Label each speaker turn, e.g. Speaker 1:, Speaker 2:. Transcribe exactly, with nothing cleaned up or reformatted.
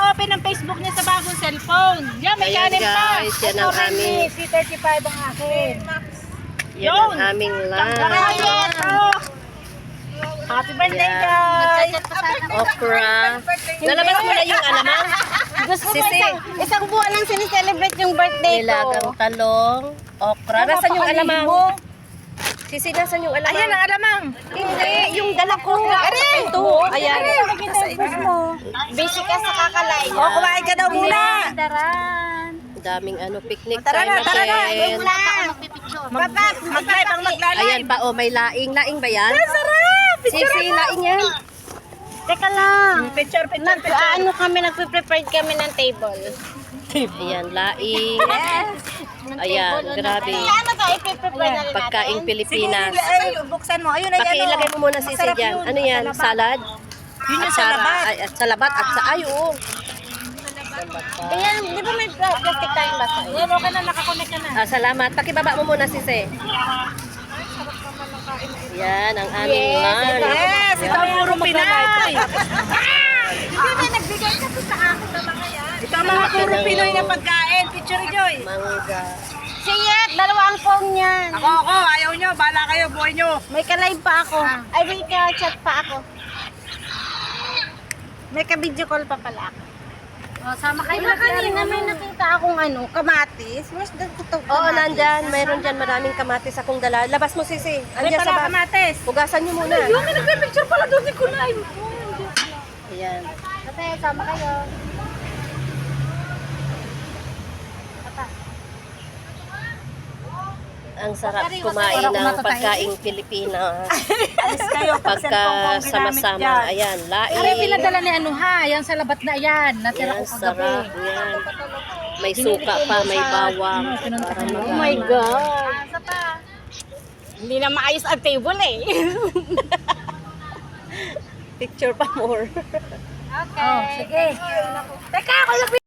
Speaker 1: open ang Facebook niya sa bagong cellphone. Yan, may
Speaker 2: Ayan,
Speaker 1: kanin pa.
Speaker 2: guys, yan ang aming,
Speaker 1: C thirty-five ang akin.
Speaker 2: yan ang aming lunch.
Speaker 1: Ryan, oh. Happy birthday,
Speaker 2: Yan.
Speaker 1: guys.
Speaker 2: Okra. Nalabas mo na yung alamang?
Speaker 3: Gusto ko
Speaker 2: Sisi.
Speaker 3: isang, isang buwan lang sinicelebrate yung birthday ko.
Speaker 2: Nilagang talong, okra. Nasaan yung alamang? Sisi, nasaan yung alamang?
Speaker 1: Ayan ang alamang.
Speaker 2: Hindi, yung dala ko. Ito, ayan.
Speaker 3: Busy ka sa kakalay.
Speaker 1: Oh, kumain ka daw muna.
Speaker 3: Daran.
Speaker 2: Daming ano, picnic
Speaker 1: Tara
Speaker 2: time
Speaker 1: na, tara na.
Speaker 2: again.
Speaker 1: Papa, mag-live ang maglalay.
Speaker 2: Ayan pa, oh, may laing. Laing ba yan?
Speaker 1: Sarap!
Speaker 2: Sisi, laing yan.
Speaker 3: Teka lang.
Speaker 1: Picture, picture,
Speaker 3: Nag,
Speaker 1: picture.
Speaker 3: ah, ano kami, nagpe-prepare kami ng table.
Speaker 2: Ayan, laing. Ayan, grabe.
Speaker 3: Kaya ano to, ipe-prepare na rin
Speaker 2: Pagkaing
Speaker 3: natin.
Speaker 2: Pilipinas.
Speaker 1: Ay, buksan mo. Ayun, ayun.
Speaker 2: Pakilagay mo muna sisi
Speaker 1: Masarap
Speaker 2: dyan.
Speaker 1: yun.
Speaker 2: Ano yan?
Speaker 1: Salabat.
Speaker 2: Salad?
Speaker 1: Yun yung
Speaker 2: At sara-
Speaker 1: salabat.
Speaker 2: ay, At salabat at sa ay, oo.
Speaker 3: Ayan, di ba may pla- plastic tayong baso?
Speaker 1: Yan, okay na. Nakakonect ka na.
Speaker 2: Ah, salamat. Pakibaba mo muna sisi. Yan, ang aming lunch.
Speaker 1: Yes, ito ang puro Pinoy.
Speaker 3: Hindi ba nagbigay kasi sa akin ng mga yan?
Speaker 1: Ito ang mga puro Pinoy na pagkain. Picture, Joy.
Speaker 2: Mangga.
Speaker 3: Si Yet, dalawang phone yan.
Speaker 1: Ako, ako. Ayaw nyo. Bala kayo. Buhay nyo.
Speaker 3: May ka-live pa ako. Ay, may ka-chat pa ako. May ka-video call pa pala ako.
Speaker 1: Oh, sama kayo.
Speaker 3: Diba kanina may nakita akong ano, kamatis. Where's the ito?
Speaker 2: Oo, nandyan. Mayroon dyan maraming kamatis akong dala. Labas mo sisi.
Speaker 1: Ano
Speaker 2: Andiyan sa
Speaker 1: pala
Speaker 2: bag.
Speaker 1: kamates?
Speaker 2: Hugasan niyo muna.
Speaker 1: Yung nagpe-picture pala doon ni Kulay.
Speaker 2: Ayan.
Speaker 3: Kasi sama kayo.
Speaker 2: Ang sarap kumain ng pagkaing Pilipinas.
Speaker 1: Alis kayo.
Speaker 2: Pagka sama-sama. Ayan,
Speaker 1: Ay,
Speaker 2: laing.
Speaker 1: pinadala ni ano ha. Yan sa labat na yan. Natira
Speaker 2: Ayan,
Speaker 1: ko kagabi.
Speaker 2: sarap. Ayan. May suka pa, may bawang. Para
Speaker 3: Oh my
Speaker 2: mag-
Speaker 3: God. Hindi na maayos ang table eh.
Speaker 2: Picture pa more.
Speaker 3: Okay.
Speaker 1: Oh, sige. Teka, ako